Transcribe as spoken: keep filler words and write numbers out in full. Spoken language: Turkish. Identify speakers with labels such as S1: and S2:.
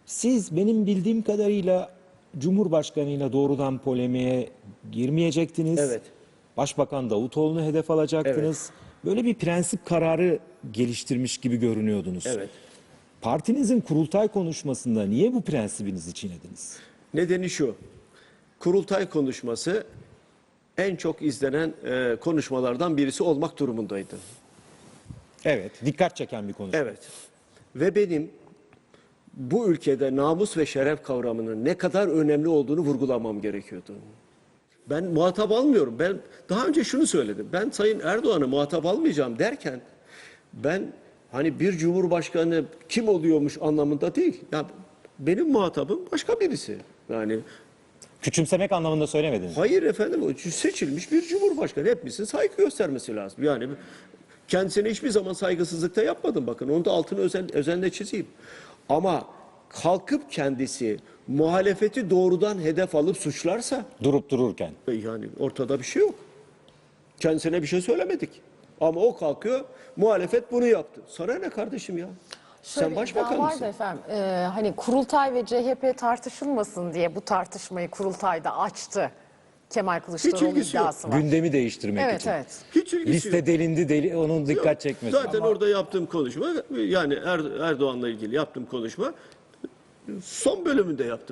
S1: Siz benim bildiğim kadarıyla Cumhurbaşkanıyla doğrudan polemiğe girmeyecektiniz.
S2: Evet.
S1: Başbakan Davutoğlu'nu hedef alacaktınız. Böyle bir prensip kararı geliştirmiş gibi görünüyordunuz.
S2: Evet.
S1: Partinizin kurultay konuşmasında niye bu prensibinizi çiğnediniz?
S2: Nedeni şu. Kurultay konuşması en çok izlenen e, konuşmalardan birisi olmak durumundaydı.
S1: Evet, dikkat çeken bir konuşma.
S2: Evet. Ve benim bu ülkede namus ve şeref kavramının ne kadar önemli olduğunu vurgulamam gerekiyordu. Ben muhatap almıyorum. Ben daha önce şunu söyledim. Ben Sayın Erdoğan'ı muhatap almayacağım derken ben hani bir cumhurbaşkanı kim oluyormuş anlamında değil. Ya benim muhatabım başka birisi. Yani
S1: Küçümsemek anlamında söylemediniz.
S2: hayır efendim, o seçilmiş bir cumhurbaşkanı. Hepimizin saygı göstermesi lazım. Yani kendisine hiçbir zaman saygısızlıkta yapmadım, bakın. Onu da altını özen, özenle çizeyim. Ama kalkıp kendisi muhalefeti doğrudan hedef alıp suçlarsa
S1: Durup dururken.
S2: yani ortada bir şey yok. Kendisine bir şey söylemedik. Ama o kalkıyor, muhalefet bunu yaptı. Sana ne kardeşim ya?
S3: Şöyle
S2: Sen başbakan
S3: iddia
S2: mısın?
S3: vardı efendim. Ee, hani kurultay ve C H P tartışılmasın diye bu tartışmayı kurultayda açtı. Kemal Kılıçdaroğlu
S2: ilgisi yok.
S3: iddiası var.
S1: Gündemi değiştirmek
S3: Evet
S1: için.
S3: evet.
S2: Hiç ilgisi
S1: Liste
S2: yok.
S1: delindi, deli, onun dikkat
S2: Yok.
S1: çekmesi.
S2: Zaten orada yaptığım konuşma, yani Er- Erdoğan'la ilgili yaptığım konuşma son bölümünde yaptım.